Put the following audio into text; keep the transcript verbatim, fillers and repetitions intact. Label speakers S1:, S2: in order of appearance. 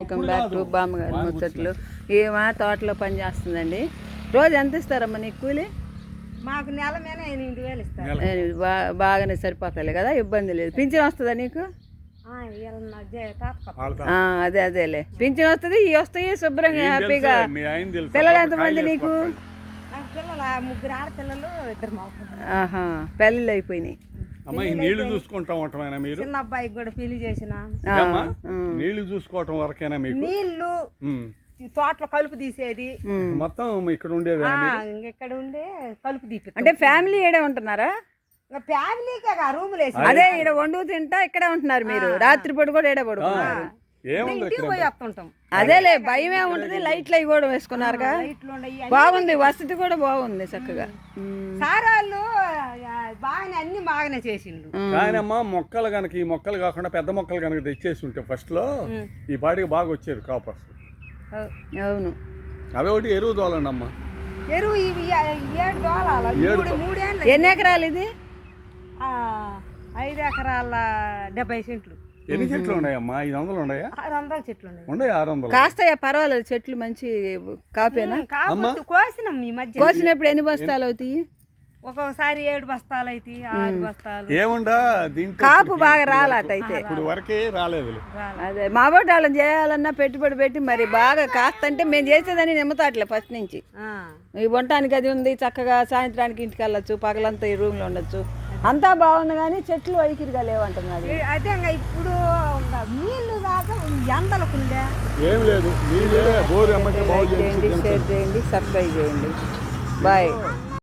S1: Welcome back to బామ్మగారు ముచ్చట్లు. ఏమా తోటలో పని చేస్తుందండి. రోజు ఎంత ఇస్తారమ్మా నీకు కూలి?
S2: మాకు నెల మీద ఎనిమిది వేలు ఇస్తారు.
S1: బా- బాగానే సరిపోతాయి కదా, ఇబ్బంది లేదు. పింఛన్ వస్తుందా నీకు? ఆ, అదే అదేలే పింఛన్ వస్తుంది, ఇవి వస్తాయి శుభ్రంగా హ్యాపీగా. పిల్లలు ఎంతమంది నీకు?
S2: పిల్లలు ముగ్గురు ఆడపిల్లలు, ఇద్దరు మాకు.
S1: ఆహా, పెళ్ళిళ్ళు అయిపోయినాయి.
S3: నీళ్లు చూసుకుంటా ఉంటామైనా మీరు?
S2: చిన్న అబ్బాయికి కూడా పెళ్లి చేసిన.
S3: నీళ్లు చూసుకోవటం వరకేనా మీకు?
S2: నీళ్లు తోటలో కలుపు తీసేది
S3: మొత్తం ఇక్కడ ఉండేది.
S2: ఇక్కడ ఉండే కలుపు తీపి.
S1: అంటే ఫ్యామిలీ ఏడే ఉంటున్నారా?
S2: ఫ్యామిలీకే రూములు వేసి
S1: అదే ఇక్కడ వండు తింటా ఇక్కడే ఉంటున్నారు మీరు? రాత్రిపూట కూడా ఏడే పడుకున్నారు? అదేలే, భయమే ఉంటుంది. లైట్లు అవి కూడా వేసుకున్నారుగా, బాగుంది, వసతి కూడా బాగుంది చక్కగా.
S2: సారాళ్ళు బాగానే అన్ని బాగానే చేసిండు.
S3: కానీ అమ్మా మొక్కలు కనుక ఈ మొక్కలు కాకుండా పెద్ద మొక్కలు కనుక తెచ్చేసి ఉంటే ఫస్ట్ లో ఈ పాటికి బాగా వచ్చేది కాపర్స్.
S1: అవును,
S3: అవే ఒకటి ఎరువు తోలండి అమ్మా.
S2: ఎరువు ఇవి ఏడు దోలాలి. మూడేళ్ళు.
S1: ఎన్ని ఎకరాలు ఇది?
S2: ఐదు ఎకరాల డెబ్బై సెంట్లు.
S3: ఎన్ని చెట్లు ఉన్నాయమ్మా? ఐదు వందలు ఉన్నాయా?
S2: ఆరు వందల చెట్లు ఉన్నాయి.
S3: ఉన్నాయి ఆరు వందలు.
S1: కాస్తాయా? పర్వాలేదు, చెట్లు మంచి కాపేనా?
S2: కోసినాం ఈ మధ్య.
S1: కోసినప్పుడు ఎన్ని బస్తాలు అవుతాయి?
S2: ఒక్కొక్కసారి ఏడు బస్తాలు అవుతాయి, ఆరు బస్తాలు.
S3: ఏముండా దీంట్లో
S1: కాపు బాగా రాలట అయితే.
S3: ఇప్పుడు వరకే రాలేదు.
S1: అదే మా బోటి వాళ్ళని చేయాలన్నా పెట్టుబడి పెట్టి మరి బాగా కాస్తంటే మేము చేసేదని నిమ్మతాట్లే ఫస్ట్ నుంచి. ఈ వంటానికి అది ఉంది, చక్కగా సాయంత్రానికి ఇంటికి వెళ్ళొచ్చు, పగలంతా ఈ రూమ్ లో ఉండొచ్చు, అంతా బాగుంది. కానీ చెట్లు వైఖరిగా లేవంటున్నారు.
S2: అదే ఇప్పుడు నీళ్లు దాకా ఎండలకుండే
S3: ఏం లేదు.
S1: షేర్ చేయండి, సబ్స్క్రైబ్ చేయండి. బాయ్.